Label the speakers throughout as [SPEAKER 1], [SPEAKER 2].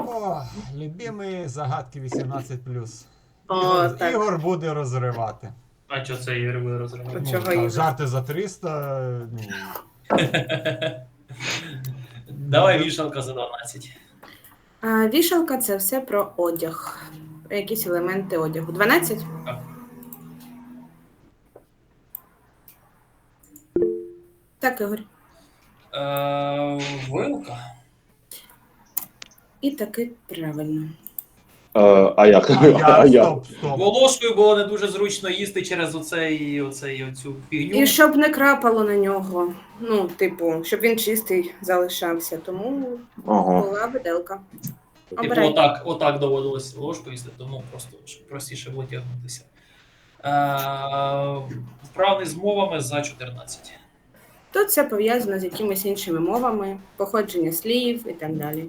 [SPEAKER 1] О, любимі загадки 18+.
[SPEAKER 2] О, так.
[SPEAKER 1] Ігор буде розривати.
[SPEAKER 3] А що це Ігор буде розривати?
[SPEAKER 2] Чого
[SPEAKER 1] Там
[SPEAKER 2] Ігор?
[SPEAKER 1] жарти за 300. Ну,
[SPEAKER 3] Давай вішалка за 12.
[SPEAKER 2] Вішалка це все про одяг. Про якісь елементи одягу. 12?
[SPEAKER 3] Так.
[SPEAKER 2] Так, Ігор.
[SPEAKER 3] Вилка.
[SPEAKER 2] І таки правильно.
[SPEAKER 4] А як?
[SPEAKER 1] а я, стоп.
[SPEAKER 3] Бо ложкою було не дуже зручно їсти через оцю фігню.
[SPEAKER 2] І щоб не крапало на нього. Ну, типу, щоб він чистий залишався. Тому
[SPEAKER 4] Ага.
[SPEAKER 2] була виделка.
[SPEAKER 3] Типу,
[SPEAKER 2] Обирай.
[SPEAKER 3] отак доводилось ложкою їсти, тому просто щоб простіше витягнутися. Вправний з мовами за 14.
[SPEAKER 2] Тут це пов'язано з якимись іншими мовами, походження слів і так далі.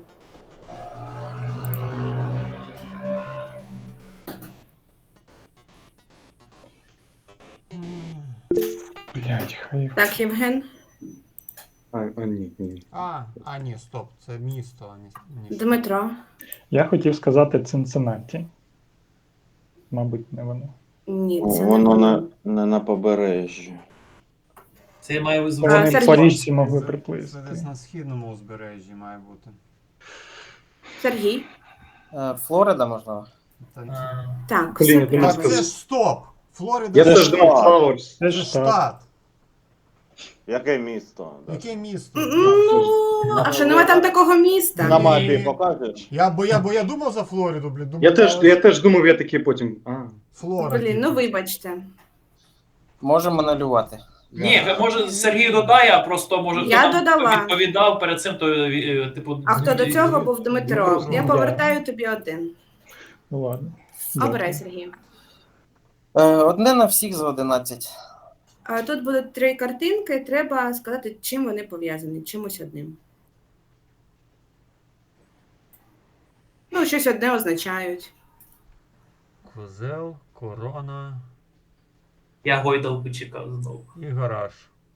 [SPEAKER 5] Блять, хай.
[SPEAKER 2] Так, Євген.
[SPEAKER 5] Ні.
[SPEAKER 1] Ні, стоп, це місто, а не
[SPEAKER 2] Дмитро.
[SPEAKER 5] Я хотів сказати Цинциннаті. Мабуть, не воно.
[SPEAKER 2] Ні, це
[SPEAKER 4] Воно
[SPEAKER 2] не
[SPEAKER 4] не на побережжі.
[SPEAKER 3] Це має
[SPEAKER 5] Вони
[SPEAKER 2] Сергій.
[SPEAKER 5] по річці могли
[SPEAKER 1] Це
[SPEAKER 5] приплисти.
[SPEAKER 1] десь на східному узбережжі має бути.
[SPEAKER 2] Сергій.
[SPEAKER 6] Флорида, можливо.
[SPEAKER 1] Та,
[SPEAKER 2] Так,
[SPEAKER 5] Блін,
[SPEAKER 2] все
[SPEAKER 5] я думав,
[SPEAKER 1] так
[SPEAKER 2] правильно.
[SPEAKER 1] це ж стоп! Флорида
[SPEAKER 7] Я
[SPEAKER 1] це
[SPEAKER 7] теж
[SPEAKER 1] ж
[SPEAKER 7] думав Флауерс.
[SPEAKER 5] Це
[SPEAKER 1] це ж
[SPEAKER 5] штат.
[SPEAKER 1] штат.
[SPEAKER 4] Яке місто?
[SPEAKER 1] Яке місто?
[SPEAKER 2] Ну, а що нема там такого
[SPEAKER 4] На
[SPEAKER 2] міста?
[SPEAKER 4] мапі покажеш?
[SPEAKER 1] Бо я думав за Флориду, блін. Думав,
[SPEAKER 7] Я теж думав, я такий потім.
[SPEAKER 1] Флорида.
[SPEAKER 2] Блін, ну вибачте.
[SPEAKER 6] Можемо малювати.
[SPEAKER 3] Ні, може Сергій додає, а просто може
[SPEAKER 2] Я
[SPEAKER 3] хто там
[SPEAKER 2] додала.
[SPEAKER 3] відповідав перед цим, то типу.
[SPEAKER 2] А хто до цього був Дмитро? Я
[SPEAKER 5] Да.
[SPEAKER 2] повертаю тобі один.
[SPEAKER 5] Ну ладно.
[SPEAKER 2] Обирай, Сергій.
[SPEAKER 6] Одне на всіх за 11.
[SPEAKER 2] Тут будуть 3 картинки, треба сказати, чим вони пов'язані, чимось одним. Ну, щось одне означають.
[SPEAKER 1] Козел, корона
[SPEAKER 3] Я гойдалку чекав знову.
[SPEAKER 1] і гараж.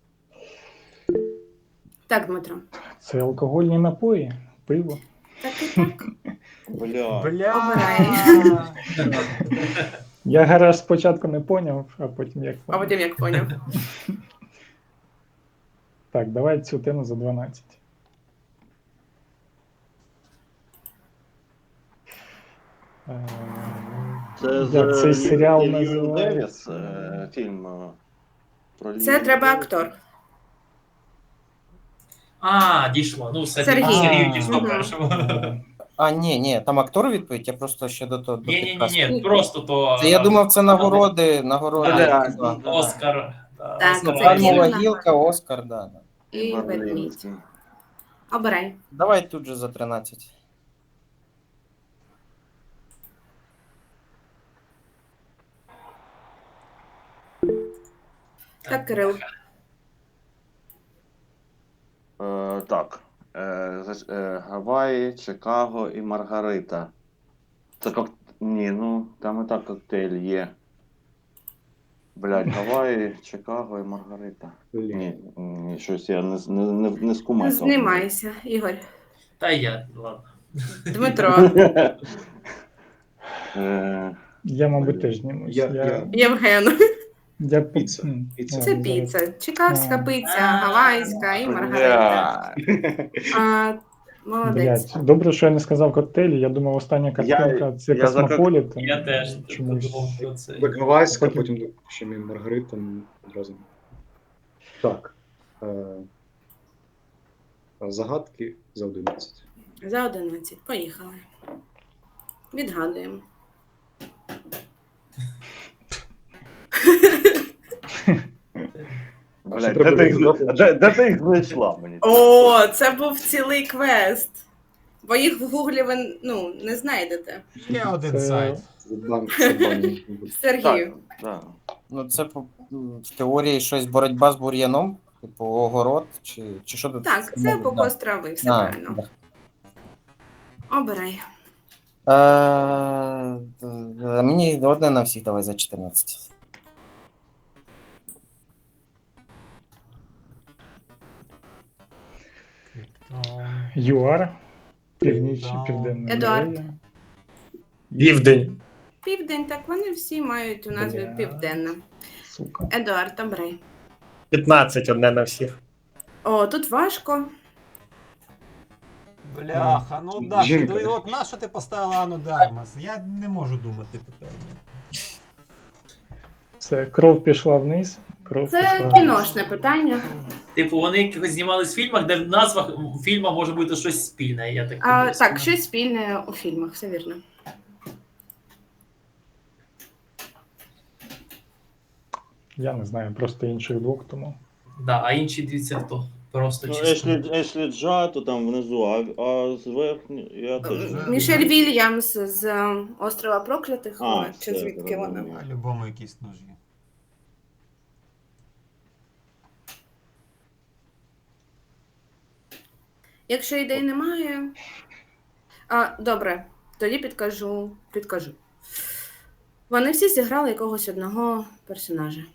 [SPEAKER 2] Так, Дмитро.
[SPEAKER 5] Це алкогольні напої, пиво.
[SPEAKER 2] Так і так.
[SPEAKER 4] Бля.
[SPEAKER 2] Обирай.
[SPEAKER 5] Я гараж спочатку не поняв, а потім як
[SPEAKER 2] А
[SPEAKER 5] поняв.
[SPEAKER 2] потім як поняв.
[SPEAKER 5] Так, давай цю тему за 12.
[SPEAKER 4] Це
[SPEAKER 5] Як цей серіал
[SPEAKER 4] Льюін
[SPEAKER 5] називається?
[SPEAKER 4] Девіс, фільм про
[SPEAKER 2] Це
[SPEAKER 4] Льюін
[SPEAKER 2] треба
[SPEAKER 4] Девіс.
[SPEAKER 2] актор.
[SPEAKER 3] Дійшло. Ну, все,
[SPEAKER 2] Сергій.
[SPEAKER 3] Сергій дійшло
[SPEAKER 2] Мгм.
[SPEAKER 3] першого.
[SPEAKER 6] Ні, там актор відповідь, я просто ще до того.
[SPEAKER 3] Ні, просто то.
[SPEAKER 6] Це я думав, це нагороди.
[SPEAKER 3] Да. Оскар. Да,
[SPEAKER 2] Так,
[SPEAKER 3] Оскар.
[SPEAKER 2] це
[SPEAKER 6] Пальмова
[SPEAKER 2] Кіно.
[SPEAKER 6] гілка, Оскар, да.
[SPEAKER 2] І ведмідь.
[SPEAKER 4] Берлінський.
[SPEAKER 2] Обирай.
[SPEAKER 6] Давай тут же за 13.
[SPEAKER 2] Так, Кирил.
[SPEAKER 4] Так. Гаваї, Чикаго і Маргарита. Це Ні, ну там і так коктейль є. Блядь, Гаваї, Чикаго і Маргарита. Ні, щось я не скумаю.
[SPEAKER 2] Знімайся, Ігор.
[SPEAKER 3] Та я, ладно.
[SPEAKER 2] Дмитро.
[SPEAKER 5] Я, мабуть, теж знімусь.
[SPEAKER 2] Євген.
[SPEAKER 5] Я...
[SPEAKER 7] Піца.
[SPEAKER 5] М,
[SPEAKER 7] Піца.
[SPEAKER 2] Це
[SPEAKER 5] ладно, зараз.
[SPEAKER 2] піца. Чикагська
[SPEAKER 5] А.
[SPEAKER 2] піца, гавайська і маргарита. Молодець.
[SPEAKER 5] Блядь, добре, що я не сказав коктейлі. Я думав, остання картинка це
[SPEAKER 4] я за
[SPEAKER 5] Космополітен.
[SPEAKER 3] Я теж
[SPEAKER 5] Чомусь.
[SPEAKER 3] думав про це.
[SPEAKER 7] Гавайська,
[SPEAKER 5] Потім-
[SPEAKER 7] потім ще мій Маргарита одразу. Так. Загадки за 11.
[SPEAKER 2] За 11. Поїхали. Відгадуємо.
[SPEAKER 4] Блядь,
[SPEAKER 7] Треба
[SPEAKER 4] де ти їх знайшла мені?
[SPEAKER 2] О, це був цілий квест. Бо їх в гуглі ви не знайдете.
[SPEAKER 1] Є один
[SPEAKER 5] Це-
[SPEAKER 1] сайт.
[SPEAKER 7] Це банк. мабуть.
[SPEAKER 2] Сергію.
[SPEAKER 4] Так.
[SPEAKER 6] Ну, це в теорії щось боротьба з бур'яном, типу огород, чи що тут?
[SPEAKER 2] Так, це покос трави, все правильно.
[SPEAKER 6] Да.
[SPEAKER 2] Обирай.
[SPEAKER 6] Мені одне на всіх давай за 14.
[SPEAKER 5] ЮАР. Північ,
[SPEAKER 1] Да.
[SPEAKER 5] Південна
[SPEAKER 2] Едуард.
[SPEAKER 5] Корея.
[SPEAKER 7] Південь.
[SPEAKER 2] Південь, так вони всі мають у назві
[SPEAKER 5] Бля.
[SPEAKER 2] Південна.
[SPEAKER 5] Сука.
[SPEAKER 2] Едуард, обрай.
[SPEAKER 7] 15 одне на всіх.
[SPEAKER 2] О, тут важко.
[SPEAKER 1] Бляха, ну да,
[SPEAKER 7] Жінка.
[SPEAKER 1] ти, от на що ти поставила Ану Дармас? Я не можу думати питання.
[SPEAKER 5] Це кров пішла вниз. Кров
[SPEAKER 2] Це
[SPEAKER 5] пішла
[SPEAKER 2] кіношне питання.
[SPEAKER 3] Типу, вони якось знімались в фільмах, де в назвах фільму може бути щось спільне. Я так
[SPEAKER 2] А,
[SPEAKER 3] подивився.
[SPEAKER 2] так, щось спільне у фільмах, все вірно.
[SPEAKER 5] Я не знаю, просто інших двох, тому.
[SPEAKER 3] Да, а інші дивіться хто. Просто
[SPEAKER 4] Ну,
[SPEAKER 3] чисто.
[SPEAKER 4] Ешлі Джа, то там внизу, а зверху я теж. не
[SPEAKER 2] Мішель Вільямс з Острова Проклятих,
[SPEAKER 4] А,
[SPEAKER 2] чи
[SPEAKER 4] все,
[SPEAKER 2] звідки вона?
[SPEAKER 4] зрозумів.
[SPEAKER 1] А любому якісь ножі.
[SPEAKER 2] Якщо ідей немає. Добре, тоді підкажу. Вони всі зіграли якогось одного персонажа.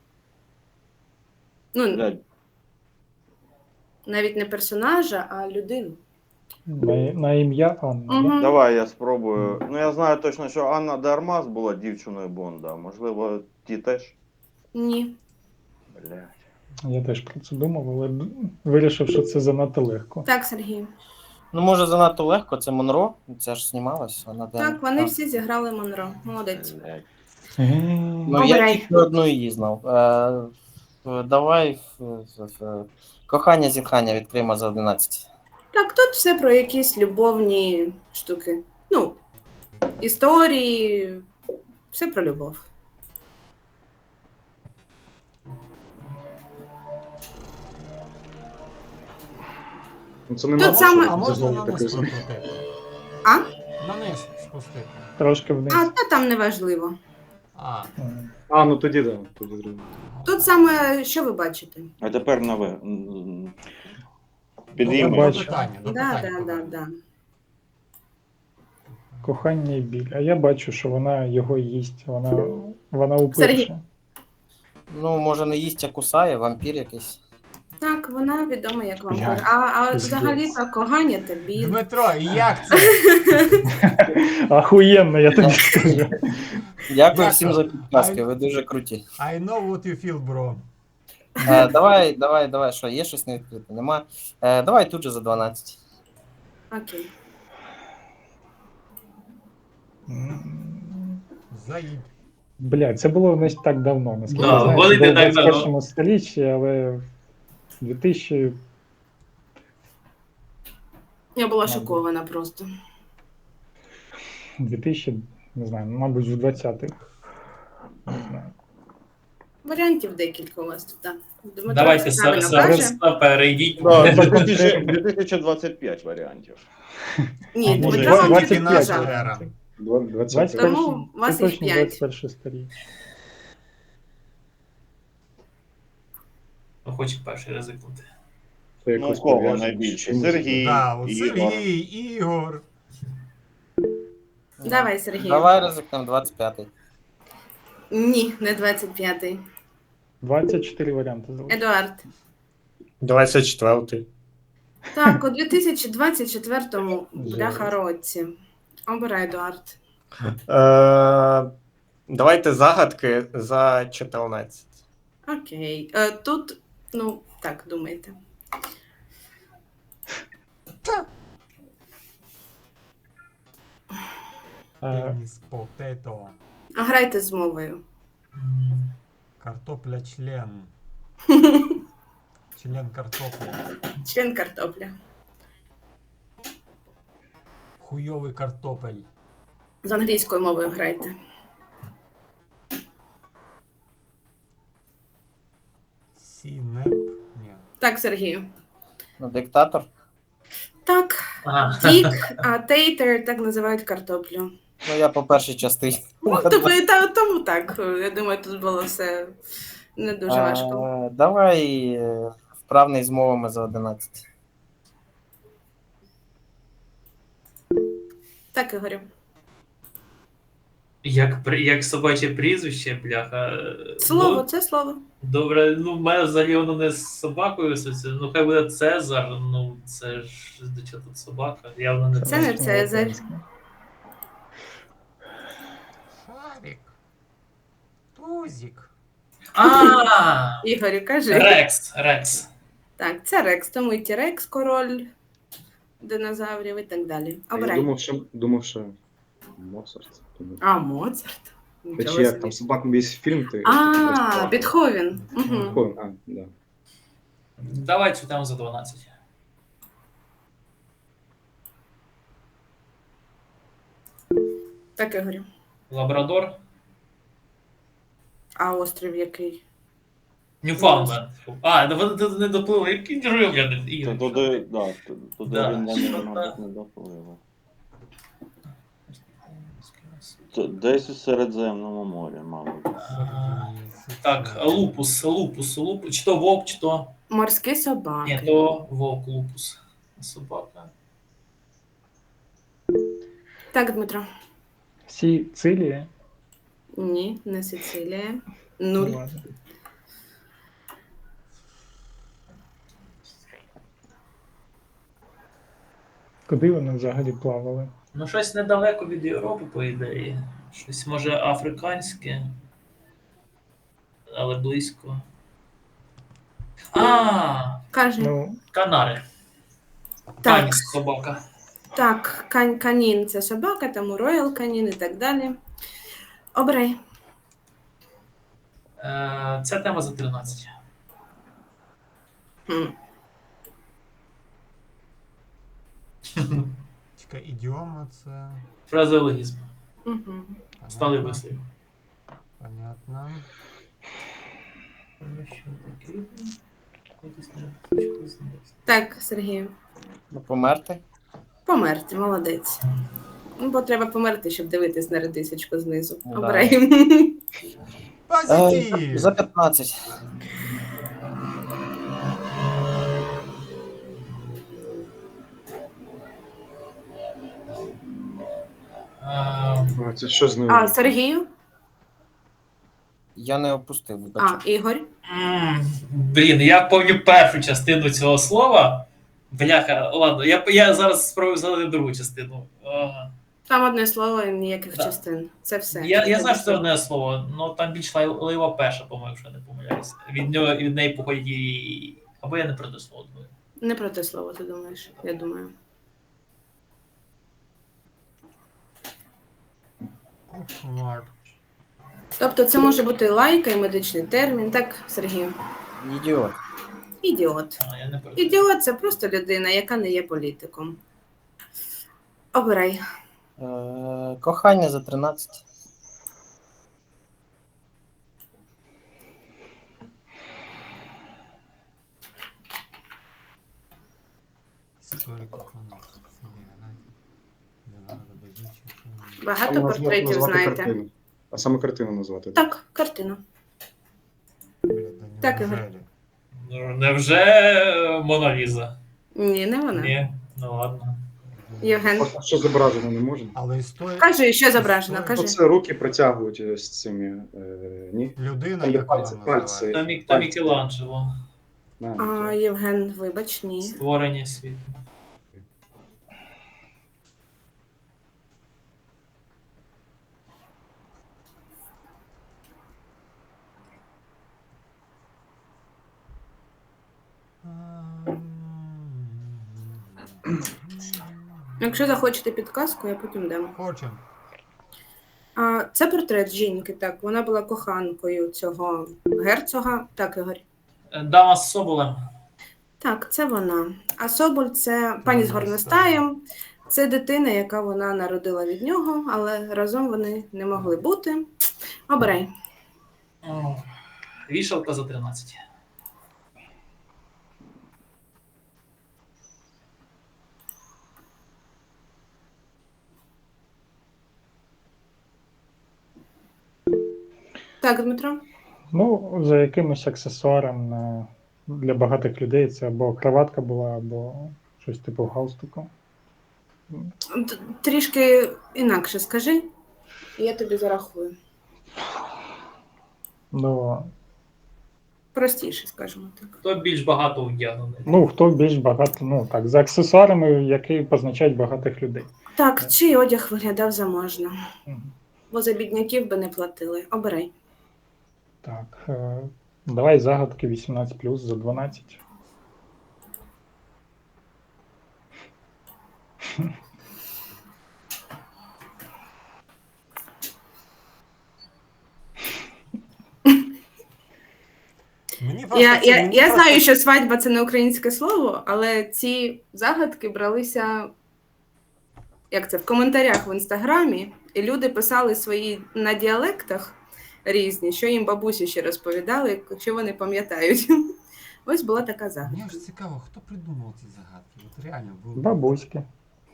[SPEAKER 2] Ну,
[SPEAKER 4] Блядь,
[SPEAKER 2] навіть не персонажа, а людину.
[SPEAKER 5] На ім'я Анна.
[SPEAKER 2] Угу.
[SPEAKER 5] Да?
[SPEAKER 4] давай я спробую. Ну я знаю точно, що Анна Дармас була дівчиною Бонда. Можливо, ті теж.
[SPEAKER 2] Ні.
[SPEAKER 4] Блядь.
[SPEAKER 5] Я теж про це думав, але вирішив, що це занадто легко.
[SPEAKER 2] Так, Сергій.
[SPEAKER 6] Ну, може, занадто легко, це Монро, це ж знімалось. Вона
[SPEAKER 2] Так, вони всі зіграли Монро. Молодець.
[SPEAKER 4] Блядь.
[SPEAKER 6] Ну, я
[SPEAKER 2] Обирай.
[SPEAKER 6] тільки одну її знав. Давай кохання зітхання відкриємо за 11.
[SPEAKER 2] Так, тут все про якісь любовні штуки. Ну, історії, все про любов.
[SPEAKER 7] Ну, це не
[SPEAKER 2] Тут
[SPEAKER 7] надо,
[SPEAKER 2] саме-
[SPEAKER 7] щоб
[SPEAKER 1] А можна
[SPEAKER 7] знову
[SPEAKER 1] на
[SPEAKER 7] таке
[SPEAKER 1] низ
[SPEAKER 7] знати.
[SPEAKER 1] прокрутити?
[SPEAKER 2] А?
[SPEAKER 1] На низ спустити.
[SPEAKER 5] Трошки вниз.
[SPEAKER 2] Та там не важливо.
[SPEAKER 1] А,
[SPEAKER 5] М.
[SPEAKER 7] А, ну тоді да, тоді зрозуміло.
[SPEAKER 2] Тут саме, що ви бачите?
[SPEAKER 4] А тепер нове.
[SPEAKER 1] до
[SPEAKER 4] Підійми.
[SPEAKER 5] бачу.
[SPEAKER 1] питання, до
[SPEAKER 2] Да,
[SPEAKER 1] питання.
[SPEAKER 2] да, да, да.
[SPEAKER 5] Кохання і біль. А я бачу, що вона його їсть. Вона
[SPEAKER 2] Сергій.
[SPEAKER 5] упивша.
[SPEAKER 6] Ну, може, не їсть, а кусає, вампір якийсь.
[SPEAKER 2] Так, вона відома як вампір.
[SPEAKER 5] Блядь,
[SPEAKER 2] А
[SPEAKER 5] пиздець.
[SPEAKER 2] взагалі-то кохання та біль.
[SPEAKER 1] Дмитро, і як це?
[SPEAKER 5] Ахуєнно, я тобі скажу.
[SPEAKER 6] Дякую всім за підказки, ви дуже круті.
[SPEAKER 1] I know what you feel, bro.
[SPEAKER 6] Давай, що, є щось не відкрите? Нема. Давай тут же за 12.
[SPEAKER 2] Окей.
[SPEAKER 1] Заїб.
[SPEAKER 5] Блядь, це було не так давно, наскільки
[SPEAKER 3] Да,
[SPEAKER 5] я знаю.
[SPEAKER 3] вони
[SPEAKER 5] Це було
[SPEAKER 3] не
[SPEAKER 5] в
[SPEAKER 3] так давно.
[SPEAKER 5] 21 столітті, але в 2000...
[SPEAKER 2] Я була
[SPEAKER 5] Мабуть.
[SPEAKER 2] шокована просто.
[SPEAKER 5] 2000, не знаю, мабуть, в 20-х. Не знаю.
[SPEAKER 2] Варіантів декілька у вас тут, так. Дмитро
[SPEAKER 3] Давайте
[SPEAKER 2] все правильно
[SPEAKER 3] зараз
[SPEAKER 2] каже.
[SPEAKER 3] перейдіть.
[SPEAKER 4] Да, 2025 варіантів.
[SPEAKER 2] Ні,
[SPEAKER 1] може,
[SPEAKER 2] Дмитро вам
[SPEAKER 1] 25
[SPEAKER 2] вже підказав.
[SPEAKER 1] ера.
[SPEAKER 7] 20.
[SPEAKER 2] Тому у вас
[SPEAKER 5] це
[SPEAKER 2] їх
[SPEAKER 5] точно
[SPEAKER 2] 5.
[SPEAKER 5] 21 століття.
[SPEAKER 3] Хочу перший ризикнути.
[SPEAKER 7] То
[SPEAKER 4] Ну,
[SPEAKER 7] якось
[SPEAKER 4] у кого
[SPEAKER 7] пов'язано з
[SPEAKER 4] найбільше?
[SPEAKER 7] чимось.
[SPEAKER 4] Сергій,
[SPEAKER 1] Да, от
[SPEAKER 4] Ігор.
[SPEAKER 1] Сергій, Ігор.
[SPEAKER 2] Давай, Сергій.
[SPEAKER 6] Давай ризикнемо 25-й.
[SPEAKER 2] Ні, не 25-й.
[SPEAKER 5] 24 варіанти залишилось.
[SPEAKER 2] Едуард.
[SPEAKER 7] 24-й.
[SPEAKER 2] Так, у 2024 бляха році. Обирай, Едуард.
[SPEAKER 7] Давайте загадки за 14.
[SPEAKER 2] Окей. Тут, ну, так, думайте.
[SPEAKER 1] Пеніс, потето.
[SPEAKER 2] Грайте з мовою.
[SPEAKER 1] Картопля член. Член картопля.
[SPEAKER 2] Член картопля.
[SPEAKER 1] Хуйовий картопель.
[SPEAKER 2] З англійською мовою грайте.
[SPEAKER 1] Сінеп. Ні.
[SPEAKER 2] Так, Сергію.
[SPEAKER 6] Ну, диктатор.
[SPEAKER 2] Так,
[SPEAKER 3] Ага.
[SPEAKER 2] дік, а тейтер так називають картоплю.
[SPEAKER 6] Ну, я по першій частині.
[SPEAKER 2] Ну, тобто, тому так. Я думаю, тут було все не дуже важко.
[SPEAKER 6] Давай вправний з мовами за 11.
[SPEAKER 2] Так, Ігорю.
[SPEAKER 3] Як собаче прізвище, бляха.
[SPEAKER 2] Слово,
[SPEAKER 3] Ну,
[SPEAKER 2] це слово.
[SPEAKER 3] добре, ну в мене взагалі воно не з собакою асоціює. Ну хай буде Цезар, ну це ж до чого тут собака. Явно не
[SPEAKER 2] Це не
[SPEAKER 5] лише
[SPEAKER 2] Цезарь.
[SPEAKER 5] українське.
[SPEAKER 1] Шарик. Тузик.
[SPEAKER 3] А,
[SPEAKER 2] Ігорю, кажи.
[SPEAKER 3] Рекс.
[SPEAKER 2] Так, це Рекс, тому і Ті-Рекс, король динозаврів і так далі.
[SPEAKER 7] А я
[SPEAKER 2] Обирай.
[SPEAKER 7] думав, що Моцарт. Думав.
[SPEAKER 2] А, Моцарт.
[SPEAKER 7] Та
[SPEAKER 2] Нічого
[SPEAKER 7] чи як
[SPEAKER 2] собі.
[SPEAKER 7] там собак весь фільм ти.
[SPEAKER 2] А, Бетховен. Угу.
[SPEAKER 7] Бетховен, а, да.
[SPEAKER 3] Давай цю тему за 12.
[SPEAKER 2] Так, Ігорю.
[SPEAKER 3] Лабрадор.
[SPEAKER 2] А острів який?
[SPEAKER 3] Ньюфаундленд. А, да вони тут не доплили. Який древляний
[SPEAKER 4] То
[SPEAKER 3] Ігор.
[SPEAKER 4] туди, да, туди
[SPEAKER 3] Да.
[SPEAKER 4] він мабуть, не доплив. Десь у Середземному морі, мабуть.
[SPEAKER 3] Так, лупус. Чи то вовк, чи то.
[SPEAKER 2] Морські
[SPEAKER 3] Ні,
[SPEAKER 2] собаки.
[SPEAKER 3] то вовк, лупус. Собака.
[SPEAKER 2] Так, Дмитро.
[SPEAKER 5] Сицилія?
[SPEAKER 2] Ні, не Сицилія.
[SPEAKER 5] Ну,
[SPEAKER 2] 0.
[SPEAKER 5] ладно. Куди вони взагалі плавали?
[SPEAKER 3] Ну, щось недалеко від Європи, по ідеї. Щось може африканське, але близько. А,
[SPEAKER 2] Каже.
[SPEAKER 5] Ну,
[SPEAKER 3] Канари.
[SPEAKER 2] Так.
[SPEAKER 3] Каніс собака.
[SPEAKER 2] Так, канін це собака, тому роял канін і так далі. Обирай.
[SPEAKER 3] Ця тема за 13.
[SPEAKER 2] Хм.
[SPEAKER 1] Чекай, ідіома це.
[SPEAKER 3] Фразеологізм.
[SPEAKER 2] Угу.
[SPEAKER 3] Стали
[SPEAKER 1] Понятно.
[SPEAKER 3] вислів.
[SPEAKER 1] Понятно.
[SPEAKER 2] Так, Сергію.
[SPEAKER 6] Ну, померти.
[SPEAKER 2] Померти, молодець. Ну, бо треба померти, щоб дивитись на редисочку знизу.
[SPEAKER 6] Ну, да.
[SPEAKER 2] Обирай.
[SPEAKER 1] Позитив!
[SPEAKER 6] За 15.
[SPEAKER 3] А,
[SPEAKER 7] А, це що з ним?
[SPEAKER 2] А, Сергію?
[SPEAKER 6] Я не опустив,
[SPEAKER 2] А,
[SPEAKER 6] вибачте.
[SPEAKER 2] Ігор?
[SPEAKER 3] Блін, я пам'ятаю першу частину цього слова. Бляха, ладно, я зараз спробую згадати другу частину.
[SPEAKER 2] Там одне слово і ніяких
[SPEAKER 3] Да.
[SPEAKER 2] частин. Це все.
[SPEAKER 3] Я знаю, що це одне слово, але там більш лайва перша, по-моєму, якщо я не помиляюся. Від неї походять і. Або я не про те слово думаю.
[SPEAKER 2] Не про те слово, ти думаєш, я думаю.
[SPEAKER 1] Кошмар.
[SPEAKER 2] Тобто це може бути лайка і медичний термін, так, Сергію?
[SPEAKER 6] Ідіот.
[SPEAKER 2] Ідіот.
[SPEAKER 3] А, я не про те.
[SPEAKER 2] Ідіот це просто людина, яка не є політиком. Обирай.
[SPEAKER 6] Кохання за 13.
[SPEAKER 1] Історик коханого.
[SPEAKER 2] Багато
[SPEAKER 7] Саме
[SPEAKER 2] портретів
[SPEAKER 7] назвати
[SPEAKER 2] знаєте.
[SPEAKER 7] картину. А саме картину назвати.
[SPEAKER 2] Так, картину. Так, Ігор.
[SPEAKER 3] Ну, невже Мона Ліза?
[SPEAKER 2] Ні, не вона.
[SPEAKER 3] Ні, ну ладно.
[SPEAKER 2] Євген.
[SPEAKER 7] Просто що зображено не можна.
[SPEAKER 1] Але історія.
[SPEAKER 2] Кажи, що зображено, кажи.
[SPEAKER 7] Оце руки протягують з цими. Ні?
[SPEAKER 1] Людина,
[SPEAKER 7] Там є
[SPEAKER 1] як вона
[SPEAKER 7] пальці,
[SPEAKER 1] називається.
[SPEAKER 7] пальці.
[SPEAKER 3] Та Мікеланджело.
[SPEAKER 2] А, Євген, вибач, ні.
[SPEAKER 3] Створення світу.
[SPEAKER 2] Якщо захочете підказку, я потім дам.
[SPEAKER 1] Хочем.
[SPEAKER 2] А, це портрет жінки, так. Вона була коханкою цього герцога. Так, Ігор.
[SPEAKER 3] Дама з Соболем.
[SPEAKER 2] Так, це вона. А Соболь це пані з горностаєм. Це дитина, яка вона народила від нього, але разом вони не могли бути. Обирай.
[SPEAKER 3] О, Вішалка за 13.
[SPEAKER 2] Так, Дмитро.
[SPEAKER 5] Ну, за якимось аксесуаром для багатих людей це або краватка була, або щось типу галстуку.
[SPEAKER 2] Трішки інакше скажи. І я тобі зарахую.
[SPEAKER 5] Ну,
[SPEAKER 2] Простіше, скажімо так.
[SPEAKER 3] Хто більш багато вдягнений?
[SPEAKER 5] ну, хто більш багато, ну так, за аксесуарами, які позначають багатих людей.
[SPEAKER 2] Так, чий одяг виглядав заможно?
[SPEAKER 5] Мгм.
[SPEAKER 2] Бо за бідняків би не платили. Обирай.
[SPEAKER 5] Так, давай загадки 18+ за 12.
[SPEAKER 1] Мені просто
[SPEAKER 2] Я знаю, що свадьба це не українське слово, але ці загадки бралися, як це, в коментарях в інстаграмі, і люди писали свої на діалектах різні, що їм бабусі ще розповідали, якщо вони пам'ятають. Ось була така
[SPEAKER 1] Мені
[SPEAKER 2] загадка.
[SPEAKER 1] ж цікаво, хто придумав ці загадки? От реально було.
[SPEAKER 5] Бабуськи.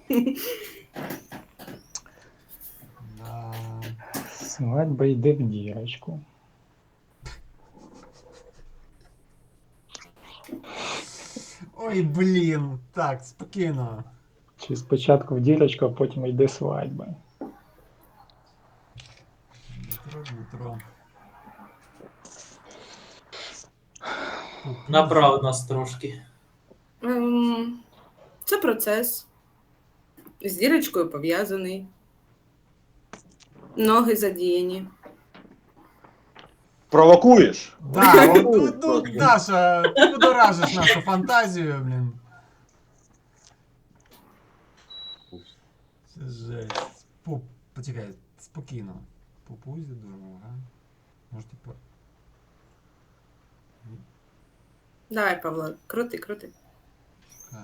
[SPEAKER 1] Да.
[SPEAKER 5] Свадьба йде в дірочку.
[SPEAKER 1] Ой, блін. Так, спокійно.
[SPEAKER 5] Чи спочатку в дірочку, а потім йде свадьба.
[SPEAKER 1] Дмитро.
[SPEAKER 3] Направ нас трошки.
[SPEAKER 2] Це процес. З дірочкою пов'язаний. Ноги задіяні.
[SPEAKER 4] Провокуєш?
[SPEAKER 1] Да, от, Даша, ти будоражиш нашу фантазію, блін. Це жесть. Почекай, спокійно. По пузі дорога. Може, типу.
[SPEAKER 2] Давай, Павло, крути.
[SPEAKER 1] Чекай.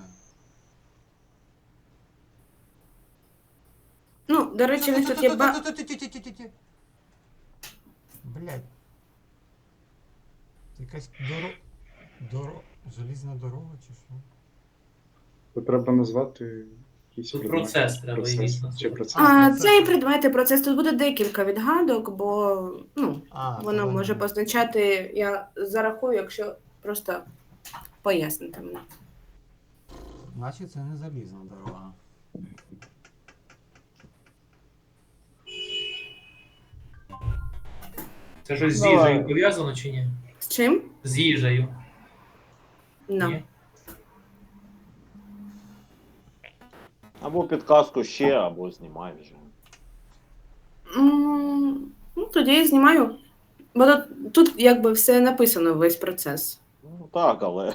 [SPEAKER 2] Ну, до речі, в них тут є
[SPEAKER 1] Блядь. Це якась желізна дорога чи що?
[SPEAKER 7] То треба назвати якийсь
[SPEAKER 3] Тут
[SPEAKER 7] предмет.
[SPEAKER 3] процес треба
[SPEAKER 7] Процес.
[SPEAKER 3] якийсь
[SPEAKER 7] Чи
[SPEAKER 3] назвати.
[SPEAKER 7] процес?
[SPEAKER 2] Цей предмети процес. Тут буде декілька відгадок, бо воно
[SPEAKER 1] то
[SPEAKER 2] може позначати, я зарахую, якщо просто пояснити мені.
[SPEAKER 1] Значить, це не залізна дорога.
[SPEAKER 3] Це щось з
[SPEAKER 5] Давай.
[SPEAKER 3] їжею пов'язано чи ні?
[SPEAKER 2] З чим?
[SPEAKER 3] З їжею.
[SPEAKER 2] No.
[SPEAKER 3] Ні?
[SPEAKER 4] Або підказку ще, або знімай вже.
[SPEAKER 2] Ну, тоді я знімаю. Бо тут якби все написано, весь процес.
[SPEAKER 4] Ну так, але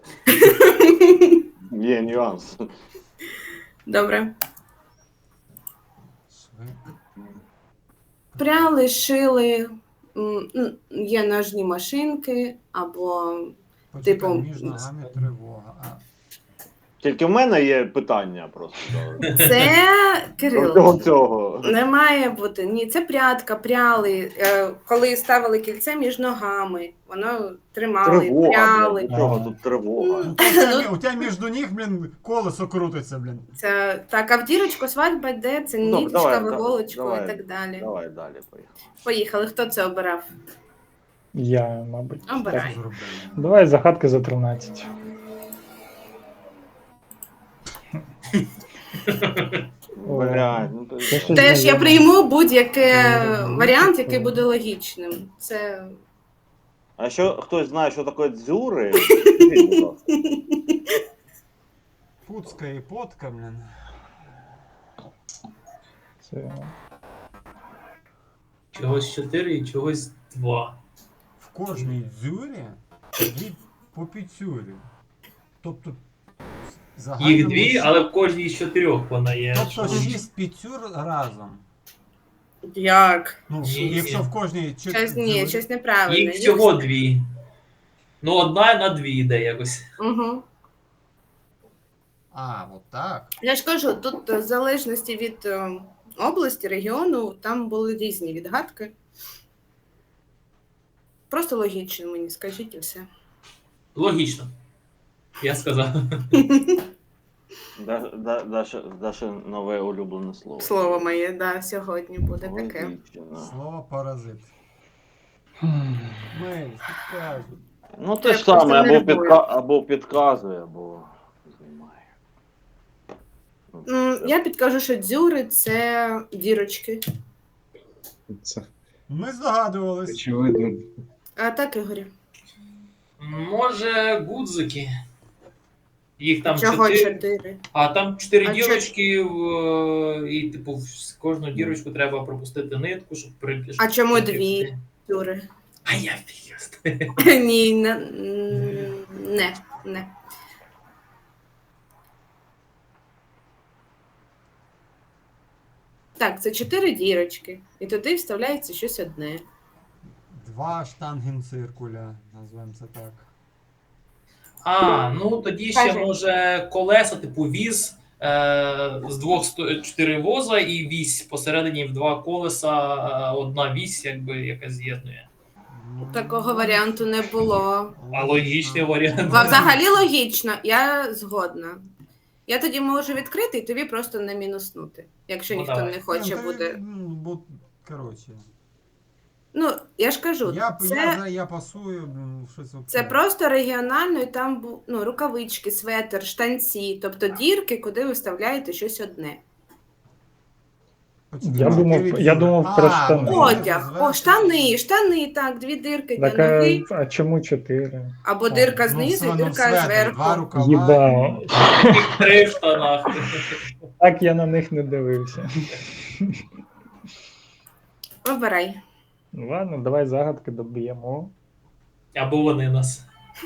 [SPEAKER 4] є нюанс.
[SPEAKER 2] Добре.
[SPEAKER 1] Швидко.
[SPEAKER 2] Пряли, шили, є ножні машинки, або
[SPEAKER 1] Почекай,
[SPEAKER 2] типу,
[SPEAKER 1] між ногами тривога.
[SPEAKER 4] Тільки в мене є питання просто.
[SPEAKER 2] це,
[SPEAKER 4] До
[SPEAKER 2] Кирило,
[SPEAKER 4] цього.
[SPEAKER 2] не має бути. Ні, це прядка, пряли, коли ставили кільце між ногами, воно тримали,
[SPEAKER 4] Тривога,
[SPEAKER 2] пряли.
[SPEAKER 4] блядь, до чого тут тривога?
[SPEAKER 1] У тебе між ніг, блін, колесо крутиться, блін.
[SPEAKER 2] Це так, а в дірочку свадьба йде, це
[SPEAKER 4] Ну,
[SPEAKER 2] ніточка,
[SPEAKER 4] давай,
[SPEAKER 2] виголочку
[SPEAKER 4] давай,
[SPEAKER 2] і так далі.
[SPEAKER 4] Давай далі, поїхали.
[SPEAKER 2] Поїхали, хто це обирав?
[SPEAKER 5] Я, мабуть.
[SPEAKER 2] Обирай.
[SPEAKER 1] Зробили.
[SPEAKER 5] Давай загадки за 13.
[SPEAKER 4] Блядь, ну то
[SPEAKER 5] Це щось
[SPEAKER 2] Теж я
[SPEAKER 5] знайоме.
[SPEAKER 2] прийму будь-який варіант, який буде логічним. Це
[SPEAKER 4] А якщо хтось знає, що таке дзюри, скажіть, будь ласка.
[SPEAKER 1] Пуцка і потка, блін.
[SPEAKER 5] Це...
[SPEAKER 3] Чогось 4 і чогось 2.
[SPEAKER 1] В кожній дзюрі дві по піцюрі. Тобто в загальному
[SPEAKER 3] Їх 2, але в кожній з 4 вона є.
[SPEAKER 1] Тобто 6 піцюр разом.
[SPEAKER 2] як?
[SPEAKER 1] Ну,
[SPEAKER 3] Ні.
[SPEAKER 1] якщо в кожній
[SPEAKER 2] Ні, щось неправильно.
[SPEAKER 3] Їх всього 2. Ну, одна на 2 йде якось.
[SPEAKER 2] Угу.
[SPEAKER 1] А, от так.
[SPEAKER 2] Я ж кажу, тут в залежності від області, регіону, там були різні відгадки. Просто логічно мені, скажіть і все.
[SPEAKER 3] Логічно. Я сказав.
[SPEAKER 4] Даше нове улюблене слово.
[SPEAKER 2] Слово моє, да, сьогодні буде таке.
[SPEAKER 4] Логічно.
[SPEAKER 1] Слово паразит. Мель, підказуй.
[SPEAKER 4] Ну те
[SPEAKER 2] Я
[SPEAKER 4] ж саме,
[SPEAKER 2] просто нервую.
[SPEAKER 4] або підказує, або знімає. Ну,
[SPEAKER 2] Я підкажу, що дзюри це дірочки.
[SPEAKER 7] Це
[SPEAKER 1] Ми здогадувались.
[SPEAKER 7] очевидно.
[SPEAKER 2] А так, Ігорю.
[SPEAKER 3] Може, гудзики. Їх там
[SPEAKER 2] Чого
[SPEAKER 3] 4.
[SPEAKER 2] 4?
[SPEAKER 3] А там 4
[SPEAKER 2] А
[SPEAKER 3] дірочки, і, типу, в кожну дірочку треба пропустити нитку, щоб прикиш.
[SPEAKER 2] А чому 2 Юри?
[SPEAKER 3] А я фіст.
[SPEAKER 2] Ні, не. Так, це 4 дірочки. І туди вставляється щось одне.
[SPEAKER 1] 2 штангенциркуля, назвемо це так.
[SPEAKER 3] А, ну тоді ще
[SPEAKER 2] Кажи.
[SPEAKER 3] може колеса, типу віз, з 4 воза і вісь посередині в 2 колеса, одна вісь, якби, яка з'єднує.
[SPEAKER 2] Такого варіанту не було.
[SPEAKER 3] А логічний варіант.
[SPEAKER 2] Взагалі логічно, я згодна. Я тоді можу відкрити і тобі просто не мінуснути, якщо
[SPEAKER 3] Ну,
[SPEAKER 2] ніхто
[SPEAKER 3] давай.
[SPEAKER 2] не хоче
[SPEAKER 1] Та,
[SPEAKER 2] буде.
[SPEAKER 1] Бо, коротше.
[SPEAKER 2] Ну, я ж кажу,
[SPEAKER 1] Я пасую, щось
[SPEAKER 2] це просто регіонально, і там рукавички, светр, штанці, тобто дірки, куди ви вставляєте щось одне.
[SPEAKER 5] Я думав про штани.
[SPEAKER 2] Одяг, штани, так, 2 дирки для
[SPEAKER 5] Так,
[SPEAKER 2] ноги,
[SPEAKER 5] а чому 4?
[SPEAKER 2] або дирка знизу і дирка
[SPEAKER 1] Два
[SPEAKER 2] зверху.
[SPEAKER 1] рукава.
[SPEAKER 5] Їбав.
[SPEAKER 3] 3 в штанах.
[SPEAKER 5] Так я на них не дивився.
[SPEAKER 2] Обирай.
[SPEAKER 5] Ну ладно, давай загадки доб'ємо.
[SPEAKER 3] Або вони нас.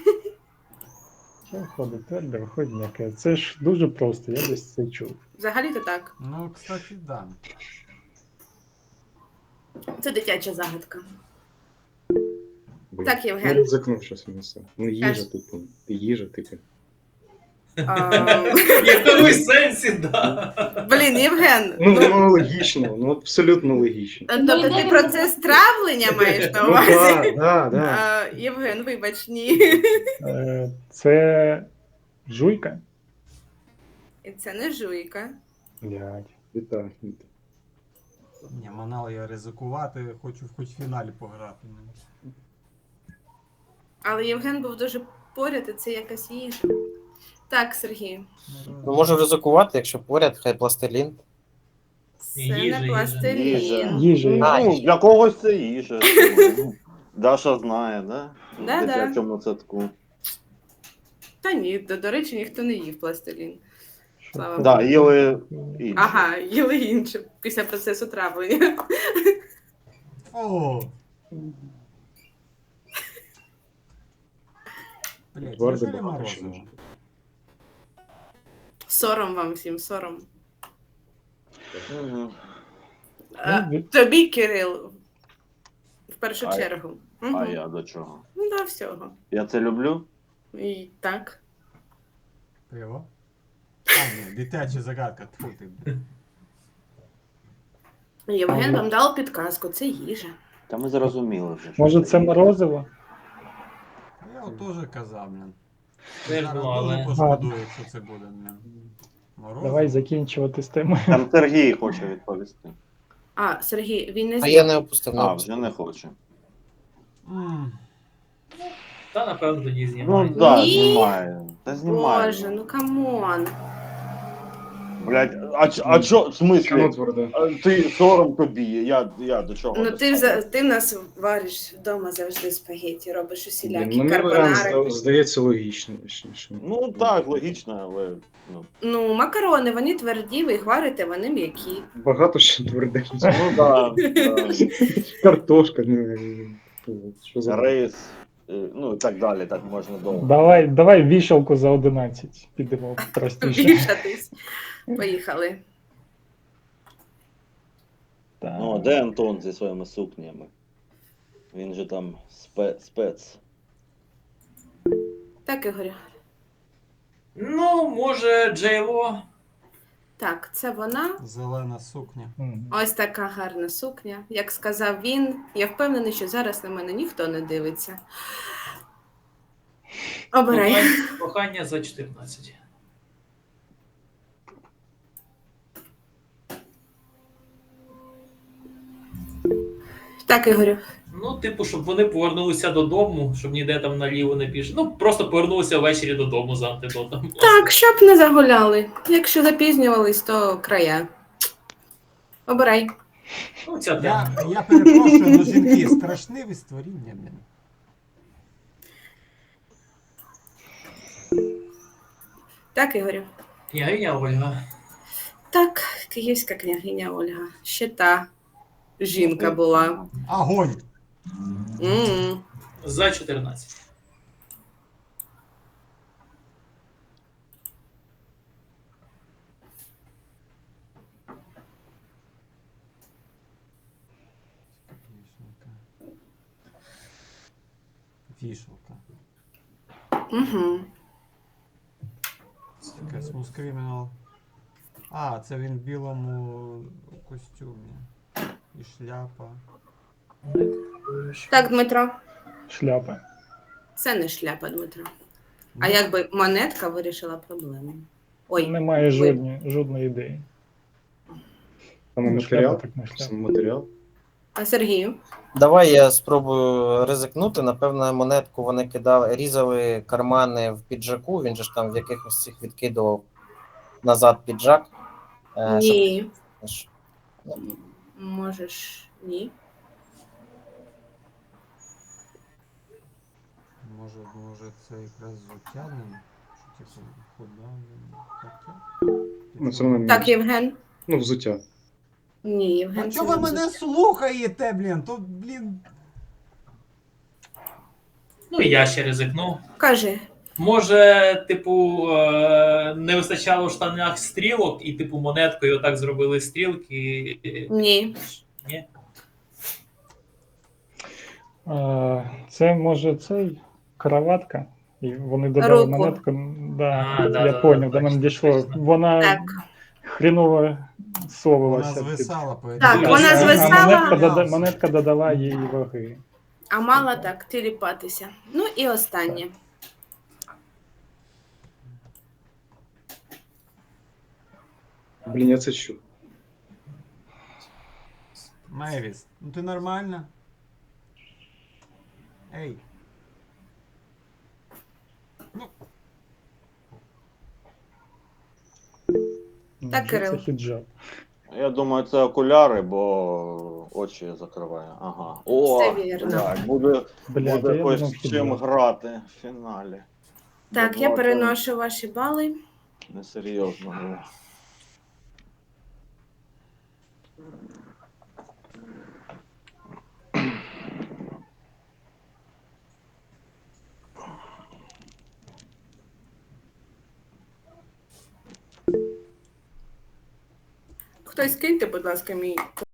[SPEAKER 5] Що виходить тверде, виходить м'яке. Це ж дуже просто, я десь це чув.
[SPEAKER 2] Взагалі-то так.
[SPEAKER 1] Ну, кстати, да.
[SPEAKER 2] Це дитяча загадка.
[SPEAKER 7] Блін.
[SPEAKER 2] Так,
[SPEAKER 7] Ну,
[SPEAKER 2] Євген.
[SPEAKER 7] ризикнув щось місце. Ну, їжа,
[SPEAKER 2] Кажеш.
[SPEAKER 7] типу. Їжа, типу.
[SPEAKER 3] В якомусь сенсі, да.
[SPEAKER 2] Блін, Євген,
[SPEAKER 7] Ну, воно логічно, ну абсолютно логічно.
[SPEAKER 2] тобто ти процес травлення маєш на
[SPEAKER 7] Ну,
[SPEAKER 2] увазі?
[SPEAKER 7] да.
[SPEAKER 2] Євген, вибач, ні.
[SPEAKER 5] Це жуйка?
[SPEAKER 2] І це не жуйка.
[SPEAKER 5] Блядь.
[SPEAKER 7] Вітаю.
[SPEAKER 1] Ні, манал я ризикувати, хочу хоч в фіналі пограти.
[SPEAKER 2] Але Євген був дуже поряд, і це якась їжа. Так, Сергій,
[SPEAKER 6] Ну, можу ризикувати, якщо поряд, хай пластилін.
[SPEAKER 2] це
[SPEAKER 3] Їжа,
[SPEAKER 2] не
[SPEAKER 3] їжа.
[SPEAKER 2] пластилін.
[SPEAKER 5] Їжа.
[SPEAKER 4] Ну, для когось це їжа. Ну, Даша знає, да?
[SPEAKER 2] Да-да.
[SPEAKER 4] В дитячому садку.
[SPEAKER 2] Та ні, до речі, ніхто не їв пластилін. Слава
[SPEAKER 4] Да,
[SPEAKER 2] Богу.
[SPEAKER 4] їли інше.
[SPEAKER 2] Ага, їли інше після процесу травлення.
[SPEAKER 1] О! Блять,
[SPEAKER 7] Твердо
[SPEAKER 1] неужели
[SPEAKER 7] багато що
[SPEAKER 1] морозиво?
[SPEAKER 7] може.
[SPEAKER 2] Сором вам всім, сором.
[SPEAKER 4] Мгм.
[SPEAKER 2] Тобі, Кирил, в першу
[SPEAKER 4] А-
[SPEAKER 2] чергу.
[SPEAKER 4] А
[SPEAKER 2] Мгм.
[SPEAKER 4] я до чого?
[SPEAKER 2] Ну, до всього.
[SPEAKER 4] Я це люблю?
[SPEAKER 2] І так.
[SPEAKER 1] Пиво? А, ні, дитяча загадка. Тьфу ти.
[SPEAKER 2] Євген вам дав підказку, це їжа.
[SPEAKER 4] Та ми зрозуміли вже. що
[SPEAKER 5] Може це
[SPEAKER 4] їжа.
[SPEAKER 5] морозиво?
[SPEAKER 1] Я от теж казав, блін.
[SPEAKER 3] Теж,
[SPEAKER 1] Зараз
[SPEAKER 3] ну, але-
[SPEAKER 1] дуже пошкодую, якщо це буде, блін. Морозиво.
[SPEAKER 5] Давай закінчувати з темою.
[SPEAKER 4] Там Сергій хоче відповісти.
[SPEAKER 2] А, Сергій, він не
[SPEAKER 6] А
[SPEAKER 2] з'їв.
[SPEAKER 6] я не опустив.
[SPEAKER 4] А, вже не хоче.
[SPEAKER 1] М,
[SPEAKER 3] Та, напевно, тоді
[SPEAKER 4] Ну
[SPEAKER 3] знімають.
[SPEAKER 4] так, да,
[SPEAKER 2] Ні.
[SPEAKER 4] знімає. Та знімає.
[SPEAKER 2] Боже, ну камон.
[SPEAKER 4] Блять, а чо, в
[SPEAKER 7] Чому
[SPEAKER 4] смислі?
[SPEAKER 7] тверде?
[SPEAKER 4] Ти сором тобі, я до чого?
[SPEAKER 2] Ну
[SPEAKER 4] доставав?
[SPEAKER 2] ти в нас вариш вдома завжди спагетті, робиш усілякі
[SPEAKER 7] Ну, мій варіант
[SPEAKER 2] карбонари.
[SPEAKER 7] здається логічно.
[SPEAKER 4] Ну так, логічно, але ну.
[SPEAKER 2] Ну, макарони, вони тверді, ви їх варите, вони м'які.
[SPEAKER 7] Багато що тверде.
[SPEAKER 4] Ну да,
[SPEAKER 7] Картошка, що за
[SPEAKER 4] рис, ну і так далі, так можна довго.
[SPEAKER 5] Давай вішалку за 11. Підемо простіше.
[SPEAKER 2] Вішатись. Поїхали.
[SPEAKER 5] Так.
[SPEAKER 4] Ну, а де Антон зі своїми сукнями? Він же там спец.
[SPEAKER 2] Так, Ігорю.
[SPEAKER 3] Ну, може, Джейло.
[SPEAKER 2] Так, це вона.
[SPEAKER 1] Зелена сукня.
[SPEAKER 5] Мгм.
[SPEAKER 2] Ось така гарна сукня. Як сказав він, я впевнений, що зараз на мене ніхто не дивиться. Обирай.
[SPEAKER 3] Кохання за 14.
[SPEAKER 2] Так, Ігорю.
[SPEAKER 3] Ну, типу, щоб вони повернулися додому, щоб ніде там наліво не пішли. Ну, просто повернулися ввечері додому за антидотом.
[SPEAKER 2] Так, щоб не загуляли. Якщо запізнювались, то края. Обирай.
[SPEAKER 3] Ну, ця тема.
[SPEAKER 1] Я перепрошую, але жінки страшниві створіння, блін.
[SPEAKER 2] Так, Ігорю?
[SPEAKER 3] Княгиня Ольга.
[SPEAKER 2] Так, київська княгиня Ольга. Ще та жінка була.
[SPEAKER 1] Огонь!
[SPEAKER 2] М.
[SPEAKER 3] За 14.
[SPEAKER 1] Вішалка.
[SPEAKER 2] Угу.
[SPEAKER 1] Таке Smooth Criminal. А, це він в білому костюмі. І шляпа.
[SPEAKER 2] Так, Дмитро.
[SPEAKER 5] Шляпа.
[SPEAKER 2] Це не шляпа, Дмитро. А
[SPEAKER 1] Ну,
[SPEAKER 2] якби монетка вирішила проблему. Ой,
[SPEAKER 5] Немає
[SPEAKER 2] ви-
[SPEAKER 5] жодної ідеї.
[SPEAKER 7] Саме
[SPEAKER 5] Ну,
[SPEAKER 7] матеріал.
[SPEAKER 5] шляпа, так не шляпа.
[SPEAKER 7] Саме матеріал.
[SPEAKER 2] А Сергію?
[SPEAKER 6] Давай я спробую ризикнути. Напевно, монетку вони кидали, різали кармани в піджаку. Він же ж там в якихось цих відкидував назад піджак.
[SPEAKER 2] Ні.
[SPEAKER 6] Щоб...
[SPEAKER 2] Можеш ні.
[SPEAKER 1] може це якраз взуття, ну, що типу худа, ну, таке.
[SPEAKER 7] Ну, це воно
[SPEAKER 2] Так, Євген?
[SPEAKER 7] Ну, взуття.
[SPEAKER 2] Ні, Євген.
[SPEAKER 1] А
[SPEAKER 2] це
[SPEAKER 1] чого ви
[SPEAKER 2] не
[SPEAKER 1] мене слухаєте, блін? То, блін.
[SPEAKER 3] Ну і я ще ризикну.
[SPEAKER 2] Кажи.
[SPEAKER 3] Може, типу, не вистачало в штанах стрілок, і, типу, монеткою отак зробили стрілки.
[SPEAKER 2] Ні.
[SPEAKER 3] Ні?
[SPEAKER 5] Це може цей краватка. І вони додали
[SPEAKER 2] Руку.
[SPEAKER 5] монетку. Да,
[SPEAKER 3] А, да,
[SPEAKER 5] я
[SPEAKER 3] да,
[SPEAKER 5] поняв,
[SPEAKER 3] да,
[SPEAKER 5] до мене
[SPEAKER 3] точно,
[SPEAKER 5] дійшло.
[SPEAKER 3] точно.
[SPEAKER 5] Вона
[SPEAKER 2] Так.
[SPEAKER 5] хріново
[SPEAKER 1] Вона
[SPEAKER 5] совувалася.
[SPEAKER 1] звисала по
[SPEAKER 2] Так,
[SPEAKER 3] вона
[SPEAKER 5] А
[SPEAKER 2] звисала.
[SPEAKER 5] монетка додала їй ваги.
[SPEAKER 2] А мала так тіліпатися. Ну і останнє.
[SPEAKER 7] Блін, я це чув.
[SPEAKER 1] Мейвіс, ну ти нормальна? Ей.
[SPEAKER 2] Так,
[SPEAKER 5] Невже
[SPEAKER 2] Кирил.
[SPEAKER 5] Це хіджаб.
[SPEAKER 4] Я думаю, це окуляри, бо очі закриває. Ага. О,
[SPEAKER 2] Все вірно.
[SPEAKER 4] блядь, буде
[SPEAKER 5] Блядь,
[SPEAKER 4] буде
[SPEAKER 5] я
[SPEAKER 4] хоч
[SPEAKER 5] думав,
[SPEAKER 4] з чим
[SPEAKER 5] хіджаб.
[SPEAKER 4] грати в фіналі.
[SPEAKER 2] Так, я переношу ваші бали.
[SPEAKER 4] Несерйозно було.
[SPEAKER 2] Хтось киньте, будь ласка, мій